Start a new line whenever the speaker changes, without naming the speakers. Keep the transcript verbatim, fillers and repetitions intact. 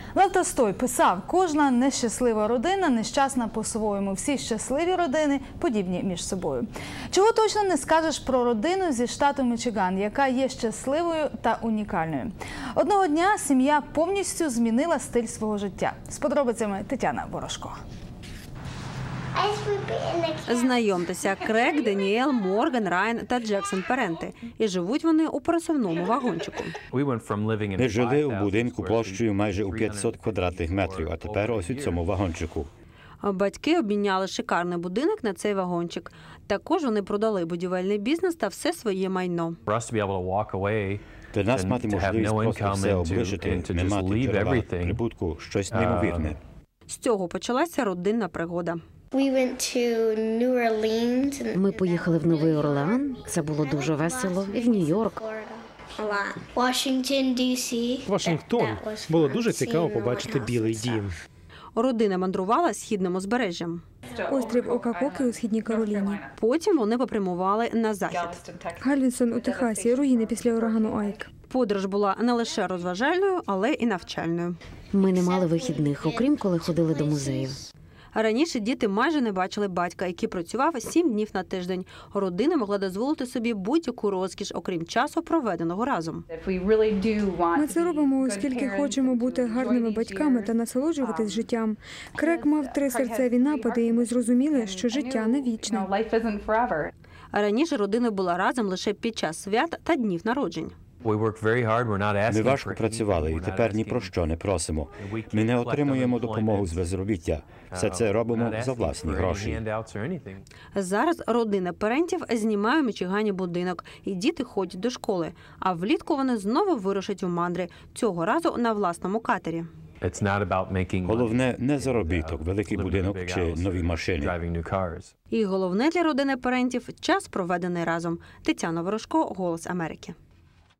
Лев Толстой писав: кожна нещаслива родина нещасна по-своєму. Всі щасливі родини подібні між собою. Чого точно не скажеш про родину зі штату Мічиган, яка є щасливою та унікальною. Одного дня сім'я повністю змінила стиль свого життя. З подробицями Тетяна Ворожко.
Знайомтеся, Крейг, Даніель, Морган, Райан та Джексон Паренти. І живуть вони у пересувному вагончику.
Ми жили у будинку площею майже у п'ятсот квадратних метрів, а тепер ось у цьому вагончику.
Батьки обміняли шикарний будинок на цей вагончик. Також вони продали будівельний бізнес та все своє майно.
Для нас мати можливість просто все облишити, не мати джерела прибутку – щось неймовірне.
З цього почалася родинна пригода.
Ми поїхали в Новий Орлеан, це було дуже весело, і в Нью-Йорк.
Вашингтон. Було дуже цікаво побачити Білий дім.
Родина мандрувала східним узбережжям.
Острів Окакокі у Східній Кароліні.
Потім вони попрямували на захід.
Галвестон у Техасі, руїни після урагану Айк.
Подорож була не лише розважальною, але і навчальною.
Ми не мали вихідних, окрім коли ходили до музеїв.
Раніше діти майже не бачили батька, який працював сім днів на тиждень. Родина могла дозволити собі будь-яку розкіш, окрім часу, проведеного разом.
Ми це робимо, оскільки хочемо бути гарними батьками та насолоджуватись життям. Крейг мав три серцеві напади, і ми зрозуміли, що життя не вічне.
Раніше родина була разом лише під час свят та днів народжень.
Ми важко працювали і тепер ні про що не просимо. Ми не отримуємо допомогу з безробіття. Все це робимо за власні гроші.
Зараз родина Парентів знімає у Мічигані будинок, і діти ходять до школи. А влітку вони знову вирушать у мандри, цього разу на власному катері.
Головне – не заробіток, великий будинок чи нові машини.
І головне для родини Парентів – час, проведений разом. Тетяна Ворожко, «Голос Америки».